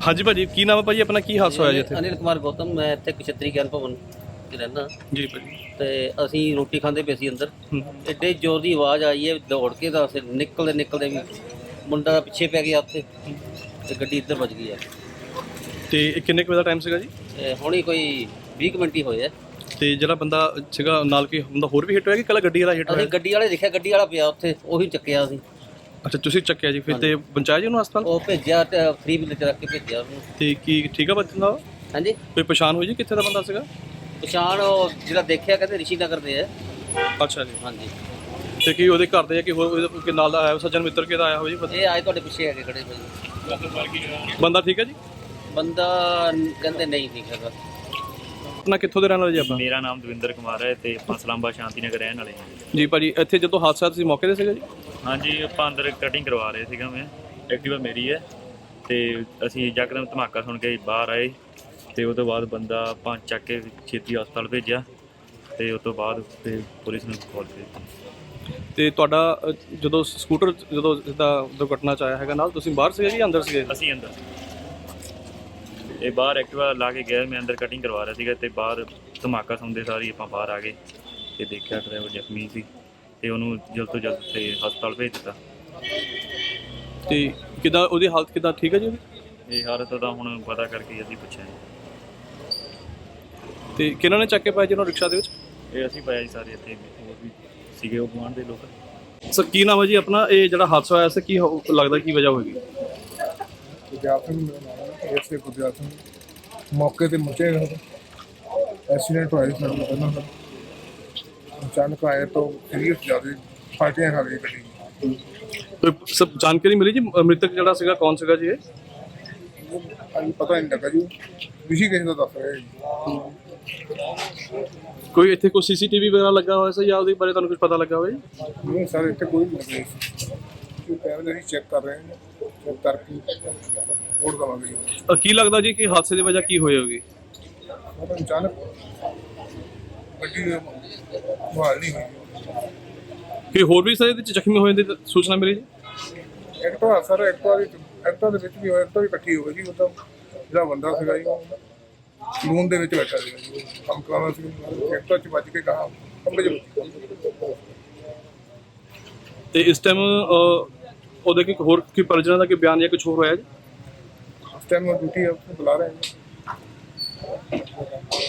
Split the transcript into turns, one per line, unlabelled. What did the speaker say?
ਹਾਂਜੀ ਭਾਜੀ, ਕੀ ਨਾਮ ਹੈ ਭਾਜੀ ਆਪਣਾ, ਕੀ ਹਾਦਸਾ ਹੋਇਆ ਜੀ ਇੱਥੇ?
ਅਨਿਲ ਕੁਮਾਰ ਗੌਤਮ, ਮੈਂ ਇੱਥੇ ਕਸ਼ਤਰੀ ਗਿਆਨ ਭਵਨ 'ਚ ਰਹਿੰਦਾ
ਜੀ ਭਾਜੀ।
ਤੇ ਅਸੀਂ ਰੋਟੀ ਖਾਂਦੇ ਪਏ ਸੀ ਅੰਦਰ।
ਹੂੰ।
ਐਡੇ ਜ਼ੋਰ ਦੀ ਆਵਾਜ਼ ਆਈ ਹੈ, ਦੌੜ ਕੇ ਤਾਂ ਅਸੀਂ ਨਿਕਲਦੇ ਵੀ ਮੁੰਡਾ ਪਿੱਛੇ ਪੈ ਗਿਆ ਉੱਥੇ ਤੇ ਗੱਡੀ ਇੱਧਰ ਵੱਜ ਗਈ ਹੈ।
ਤੇ ਇਹ ਕਿੰਨੇ ਕੁ ਵਜੇ ਦਾ ਟਾਈਮ ਸੀਗਾ ਜੀ?
ਤੇ ਹੁਣੀ ਕੋਈ 20 ਕੁ ਮਿੰਟ ਹੀ ਹੋਏ ਆ।
ਤੇ ਜਿਹੜਾ ਬੰਦਾ ਸੀਗਾ ਨਾਲ, ਕੀ ਹੁੰਦਾ ਹੋਰ ਵੀ ਹਿੱਟ ਹੋਇਆ ਕਿ ਕੱਲਾ ਗੱਡੀ ਵਾਲਾ ਹਿੱਟ
ਅਸੀਂ
ਹੋਇਆ?
ਗੱਡੀ ਵਾਲੇ ਦੇਖਿਆ, ਗੱਡੀ ਵਾਲਾ ਪਿਆ ਉੱਥੇ, ਉਹੀ ਚੱਕਿਆ ਅਸੀਂ।
ਅੱਛਾ, ਤੁਸੀਂ ਚੱਕਿਆ ਜੀ ਫਿਰ ਤੇ ਪਹੁੰਚਾਇਆ ਜੀ ਉਹਨੂੰ ਹਸਪਤਾਲ?
ਉਹ ਭੇਜਿਆ ਤੇ ਫ੍ਰੀ ਬਿਲ 'ਚ ਰੱਖ ਕੇ ਭੇਜਿਆ ਉਹਨੂੰ।
ਤੇ ਕੀ ਠੀਕ ਆ ਬੰਦਾ?
ਹਾਂਜੀ,
ਕੋਈ ਪਛਾਣ ਹੋਈ ਜੀ ਕਿੱਥੇ ਦਾ ਬੰਦਾ ਸੀਗਾ?
ਪਛਾਣ ਉਹ ਜਿਹੜਾ ਦੇਖਿਆ ਕਹਿੰਦੇ ਰਿਸ਼ੀ ਨਗਰ ਦੇ ਆ।
ਅੱਛਾ ਜੀ।
ਹਾਂਜੀ,
ਤੇ ਕੀ ਉਹਦੇ ਘਰ ਦੇ ਕਿ ਹੋਰ ਕੋਈ ਨਾਲ ਦਾ ਆਇਆ, ਸੱਜਣ ਮਿੱਤਰ ਕਿਹਦਾ ਆਇਆ ਹੋ ਜੀ ਪਤਾ?
ਇਹ ਆਏ ਤੁਹਾਡੇ ਪਿੱਛੇ ਹੈਗੇ ਖੜੇ ਭਾਈ।
ਬੰਦਾ ਠੀਕ ਹੈ ਜੀ?
ਬੰਦਾ ਕਹਿੰਦੇ ਨਹੀਂ ਠੀਕ ਹੈਗਾ।
ਆਪਣਾ ਕਿੱਥੋਂ ਦੇ ਰਹਿਣ ਵਾਲੇ ਜੀ ਆਪਾਂ?
ਮੇਰਾ ਨਾਮ ਦਵਿੰਦਰ ਕੁਮਾਰ ਹੈ ਤੇ ਆਪਾਂ ਸਲਾਮਾ ਸ਼ਾਂਤੀ ਨਗਰ ਰਹਿਣ ਵਾਲੇ ਹਾਂ।
ਜੀ ਭਾਜੀ, ਇੱਥੇ ਜਦੋਂ ਹਾਦਸਾ ਤੁਸੀਂ ਮੌਕੇ ਤੇ ਸੀਗਾ ਜੀ?
ਹਾਂਜੀ, ਆਪਾਂ ਅੰਦਰ ਕਟਿੰਗ ਕਰਵਾ ਰਹੇ ਸੀਗਾ, ਮੈਂ ਐਕਟਿਵਾ ਮੇਰੀ ਹੈ ਤੇ ਅਸੀਂ ਯਕਦਮ ਧਮਾਕਾ ਸੁਣ ਕੇ ਬਾਹਰ ਆਏ ਤੇ ਉਹ ਤੋਂ ਬਾਅਦ ਬੰਦਾ ਆਪਾਂ ਚੱਕ ਕੇ ਛੇਤੀ ਹਸਪਤਾਲ ਭੇਜਿਆ ਤੇ ਉਸ ਤੋਂ ਬਾਅਦ ਫਿਰ ਪੁਲਿਸ ਨੂੰ ਕਾਲ ਕੀਤੀ।
ਤੇ ਤੁਹਾਡਾ ਜਦੋਂ ਸਕੂਟਰ ਜਦੋਂ ਸਿੱਧਾ ਦੁਰਘਟਨਾ 'ਚ ਆਇਆ ਹੈਗਾ ਨਾਲ, ਤੁਸੀਂ ਬਾਹਰ ਸੀਗੇ ਜੀ ਅੰਦਰ ਸੀਗੇ?
ਅਸੀਂ ਅੰਦਰ, ਇਹ ਬਾਹਰ ਐਕਟਿਵਾ ਲਾ ਕੇ ਗਿਆ, ਮੈਂ ਅੰਦਰ ਕਟਿੰਗ ਕਰਵਾ ਰਿਹਾ ਸੀਗਾ ਤੇ ਬਾਹਰ ਧਮਾਕਾ ਸੁਣਦੇ ਸਾਰੀ ਆਪਾਂ ਬਾਹਰ ਆ ਗਏ ਤੇ ਦੇਖਿਆ ਡਰਾਈਵਰ ਜ਼ਖਮੀ ਸੀ ਤੇ ਉਹਨੂੰ ਜਲਦ ਤੋਂ ਜਲਦ ਤੇ ਹਸਪਤਾਲ ਭੇਜ ਦਿੱਤਾ।
ਤੇ ਕਿੱਦਾਂ ਉਹਦੀ ਹਾਲਤ ਕਿੱਦਾਂ, ਠੀਕ ਹੈ ਜੀ ਉਹਦੀ?
ਇਹ ਹਾਲਤ ਦਾ ਹੁਣ ਪਤਾ ਕਰਕੇ ਅਸੀਂ ਪੁੱਛਿਆ
ਤੇ ਕਿਹਨਾਂ ਨੇ ਚੱਕ ਕੇ ਪਾਇਆ ਜਿਹਨੂੰ ਰਿਕਸ਼ਾ ਦੇ ਵਿੱਚ?
ਇਹ ਅਸੀਂ ਪਾਇਆ ਜੀ ਸਾਰੇ ਇੱਥੇ ਹੋਰ ਵੀ ਸੀਗੇ ਉਹ ਗੁਆਂਢ ਦੇ ਲੋਕ।
ਸਰ ਕੀ ਨਾਮ ਹੈ ਜੀ ਆਪਣਾ? ਇਹ ਜਿਹੜਾ ਹਾਦਸਾ ਹੋਇਆ ਸੀ ਕੀ ਲੱਗਦਾ ਕੀ ਵਜ੍ਹਾ ਹੋਏਗੀ?
ਗੁਰਦਿਆਲ ਸਿੰਘ ਮੇਰਾ ਨਾਮ ਹੈ, ਐਸਏ ਗੁਰਦਿਆਲ ਸਿੰਘ। ਮੌਕੇ ਤੇ ਮੁੱਚੇ ਐਕਸੀਡੈਂਟ ਹੋਇਆ ਸੀ ਸਾਡੇ ਨਾਲ ਪਹਿਲਾਂ। ਅਚਾਨਕ ਆਏ ਤਾਂ ਸੀਰੀਅਸ ਜ਼ਿਆਦਾ ਫਾਟੀਆਂ ਖਾ ਗਈ ਗੱਡੀ।
ਕੋਈ ਸਭ ਜਾਣਕਾਰੀ ਮਿਲੀ ਜੀ ਮ੍ਰਿਤਕ ਜਿਹੜਾ ਸੀਗਾ ਕੌਣ ਸੀਗਾ ਜੀ ਇਹ?
ਅਜੇ ਪਤਾ ਨਹੀਂ ਲੱਗਾ ਜੀ, ਰਿਸ਼ੀ ਕਿਸੇ ਦਾ ਦੱਸ ਰਿਹਾ ਜੀ।
ਕੋਈ ਇੱਥੇ ਕੋਈ ਸੀਸੀਟੀਵੀ ਵਗੈਰਾ ਲੱਗਾ ਹੋਇਆ ਸੀ ਜਾਂ ਉਹਦੇ ਬਾਰੇ ਤੁਹਾਨੂੰ ਕੁਝ ਪਤਾ ਲੱਗਾ ਹੋਵੇ?
ਨਹੀਂ ਸਰ, ਇੱਥੇ ਕੋਈ ਨਹੀਂ ਲੱਗਾ ਸੀ। ਕੈਮਰੇ ਅਸੀਂ ਚੈੱਕ ਕਰ ਰਹੇ ਹਾਂ, ਚੈੱਕ ਕਰਕੇ ਰਿਪੋਰਟ ਦੇਵਾਂਗੇ ਜੀ।
ਕੀ ਲੱਗਦਾ ਜੀ ਕਿ ਹਾਦਸੇ ਦੀ ਵਜ੍ਹਾ ਕੀ ਹੋਈ ਹੋਗੀ?
ਉਹ ਤਾਂ ਅਚਾਨਕ ਗੱਡੀ ਬਹਾਲ ਨਹੀਂ ਹੋਈ।
ਕਿ ਹੋਰ ਵੀ ਸਾਰੇ ਇਹਦੇ ਚ ਜ਼ਖਮੀ ਹੋਏ ਦੀ ਸੂਚਨਾ ਮਿਲੀ ਜੀ?
ਐਕਟਵਾ ਸਰ, ਐਕਟਵਾ ਦੇ ਵਿੱਚ ਵੀ ਹੋਇਆ, ਐਕਟਵਾ ਵੀ ਇਕੱਠੀ ਹੋ ਗਈ ਜੀ। ਉਹ ਤਾਂ ਜਿਹੜਾ ਬੰਦਾ ਸੀਗਾ ਜੀ ਉਹ ਸਲੂਨ ਦੇ ਵਿੱਚ ਬੈਠਾ ਸੀਗਾ ਜੀ, ਕੰਮ ਕਰਾਉਣਾ ਸੀ। ਐਕਟਵਾ 'ਚ ਵੱਜ ਕੇ ਕਹਾ ਖੰਭੇ 'ਚ ਵੱਜੀ।
ਤੇ ਇਸ ਟਾਈਮ ਉਹਦੇ ਕੀ ਹੋਰ ਕੀ ਪਰਿਜਨਾਂ ਦਾ ਕੀ ਬਿਆਨ ਜਾਂ ਕੁਝ ਹੋਰ ਹੋਇਆ ਜੀ?
ਉਸ ਟਾਈਮ ਡਿਊਟੀ ਬੁਲਾ ਰਹੇ ਹਾਂ ਜੀ।